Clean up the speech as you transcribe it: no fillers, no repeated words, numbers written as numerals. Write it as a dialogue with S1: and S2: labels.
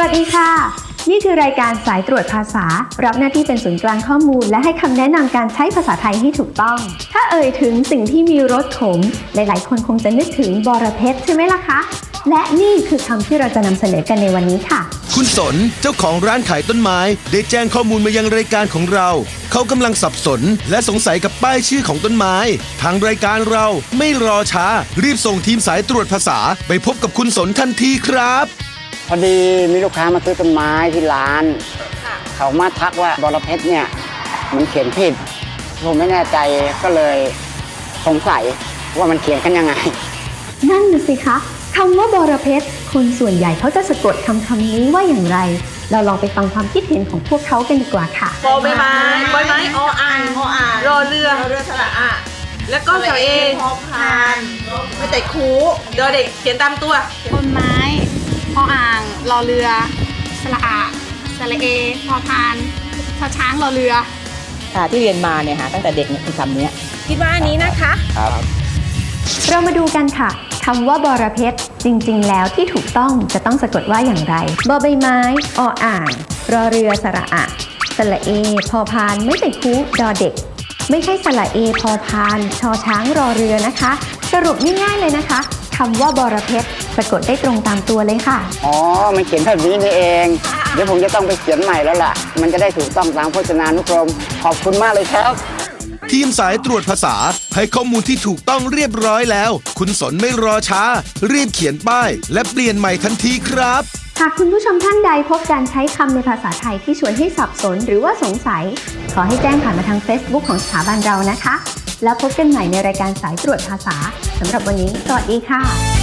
S1: วัสดีค่ะนี่คือรายการสายตรวจภาษารับหน้าที่เป็นศูนย์กลางข้อมูลและให้คำแนะนำการใช้ภาษาไทยให้ถูกต้องถ้าเอ่ยถึงสิ่งที่มีรสขมหลายๆคนคงจะนึกถึงบอระเพ็ดใช่ไหมล่ะคะและนี่คือคำที่เราจะนำเสนอกันในวันนี้ค่ะ
S2: คุณสนเจ้าของร้านขายต้นไม้ได้แจ้งข้อมูลมายังรายการของเราเขากำลังสับสนและสงสัยกับป้ายชื่อของต้นไม้ทางรายการเราไม่รอช้ารีบส่งทีมสายตรวจภาษาไปพบกับคุณสนทันทีครับ
S3: พอดีมีลูกค้ามาซื้อต้นไม้ที่ร้านเขามาทักว่าบอระเพ็ดเนี่ยมันเขียนผิดผมไม่แน่ใจก็เลยสงสัยว่ามันเขียนกันยังไง
S1: นั่นน่ะสิคะคำว่าบอระเพ็ดคนส่วนใหญ่เขาจะสะกดคำนี้ว่าอย่างไรเราลองไปฟังความคิดเห็นของพวกเขากันดีกว่าค่ะ
S4: บอใบไม้ใบไม้ออ่างรอเรือสระอะแล้วก็สระเอพอพานไม่แต่คูเดอเด็กเขียนตามตัว
S5: ต้นไม้พออ่างรอเรือสระอะสระเอพอพานชอช้างรอเรือ
S6: ที่เรียนมาเนี่ยตั้งแต่เด็กเนี่ยคือคำนี้
S4: คิดว่าอันนี้นะคะ
S3: ครับ
S1: เรามาดูกันค่ะคำว่าบอระเพ็ดจริงๆแล้วที่ถูกต้องจะต้องสะกดว่าอย่างไรบอใบไม้ออ่างรอเรือสระอะสระเอพอพานไม่ใส่คูดอเด็กไม่ใช่สระเอพอพานชอช้างรอเรือนะคะสรุปง่ายๆเลยนะคะคำว่าบอระเพ็ดสะกดได้ตรงตามตัวเลยค่ะ
S3: อ๋อมันเขียนแบบนี้นี่เองเดี๋ยวผมจะต้องไปเขียนใหม่แล้วล่ะมันจะได้ถูกต้องตามพจนานุกรมขอบคุณมากเลยครับ
S2: ทีมสายตรวจภาษาให้ข้อมูลที่ถูกต้องเรียบร้อยแล้วคุณสนไม่รอช้ารีบเขียนป้ายและเปลี่ยนใหม่ทันทีครับ
S1: หากคุณผู้ชมท่านใดพบการใช้คำในภาษาไทยที่ชวนให้สับสนหรือว่าสงสัยขอให้แจ้งผ่านมาทาง Facebook ของสถาบันเรานะคะแล้วพบกันใหม่ในรายการสายตรวจภาษาสำหรับวันนี้สวัสดีค่ะ